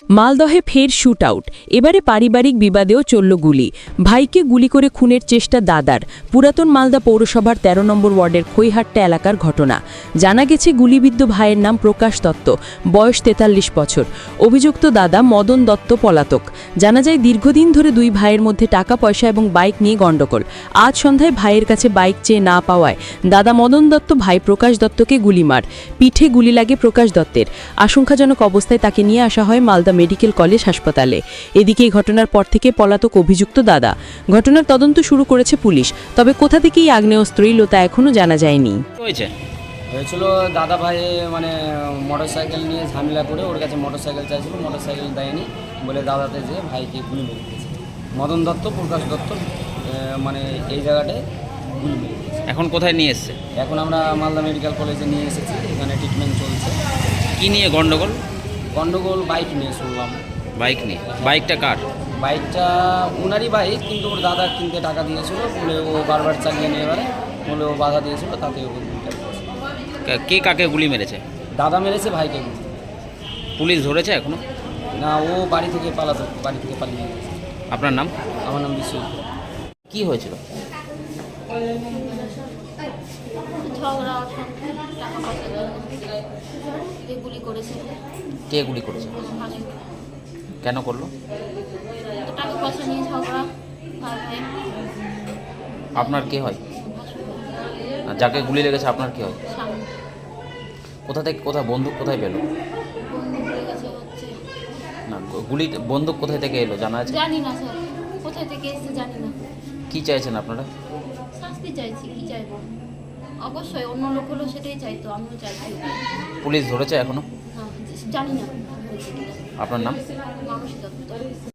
মালদহে ফের shoot out, এবারে পারিবারিক বিবাদেও চলল গুলি। ভাইকে গুলি করে খুনের চেষ্টা দাদার। পুরাতন মালদা পৌরসভার ১৩ নম্বর ওয়ার্ডের খৈহাট্টা এলাকার ঘটনা। জানা গেছে গুলিবিদ্ধ ভাইয়ের নাম প্রকাশ দত্ত, বয়স ৪৩ বছর। অভিযুক্ত দাদা মদন দত্ত পলাতক। জানা যায় দীর্ঘদিন ধরে দুই ভাইয়ের মধ্যে টাকা পয়সা এবং বাইক নিয়ে গণ্ডগোল। আজ সন্ধ্যায় ভাইয়ের কাছে বাইক চেয়ে না পাওয়ায় দাদা মদন দত্ত ভাই প্রকাশ দত্তকে গুলি মার। পিঠে গুলি লাগে প্রকাশ দত্তের। আশঙ্কাজনক অবস্থায় তাকে নিয়ে আসা হয় মালদা মেডিকেল কলেজ হাসপাতালে। এদিকে এই ঘটনার পর থেকে পলাতক অভিযুক্ত দাদা। ঘটনার তদন্ত শুরু করেছে পুলিশ, তবে কোথা থেকেই আগ্নেয়াস্ত্র এলো তা এখনো জানা যায়নি। হয়েছিল দাদা ভাই মানে মোটরসাইকেল নিয়ে ঝামেলা করে ওর কাছে মোটরসাইকেল চাইছিল, মোটরসাইকেল দেয়নি বলে দাদাতে যে ভাইকে গুলি মেরে দিয়েছে। মদন দত্ত প্রকাশ দত্ত মানে এই জায়গাটায় গুলি মেরে দিয়েছে। এখন কোথায় নিয়ে এসছে? এখন আমরা মালদা মেডিকেল কলেজে নিয়ে এসেছি, এখানে ট্রিটমেন্ট চলছে। কি নিয়ে গন্ডগোল? গন্ডগোল বাইক নিয়ে শুনলাম। বাইক নিয়ে? বাইকটা কার? বাইকটা ওনারই বাইক, কিন্তু ওর দাদা কিনতে টাকা দিয়েছিল বলে ও বারবার চালিয়ে নিয়ে এবারে বলে ও বাধা দিয়েছিল, তাতে ও গুলিটা করেছে। কে কাকে গুলি মেরেছে? দাদা মেরেছে ভাইকে গুলি। পুলিশ ধরেছে এখনো? না, ও বাড়ি থেকে পালিয়ে গেছে। আপনার নাম? আমার নাম বিশ্বজিৎ। কি হয়েছিল? ঝগড়া টাকা পয়সা গুলি করেছে। কে গুলি করেছে? কেন করলো? টাকা পয়সা নিয়ে ঝগড়া। আপনার কে হয়? আর যাকে গুলি লেগেছে আপনার কে হয়? কোথা থেকে বন্দুক কোথায় পেলো? না, বন্দুক কোথায় থেকে এলো জানা আছে? জানি না স্যার, কোথায় থেকে এসেছে জানি না। কি চাইছেন আপনারা? শাস্তি চাইছি, কি চাইবো? অবশ্যই অন্য লোক হলো সেটাই চাইতো, আমিও চাইছি। পুলিশ ধরেছে এখনো? জানি না। আপনার নাম? মানসী দত্ত।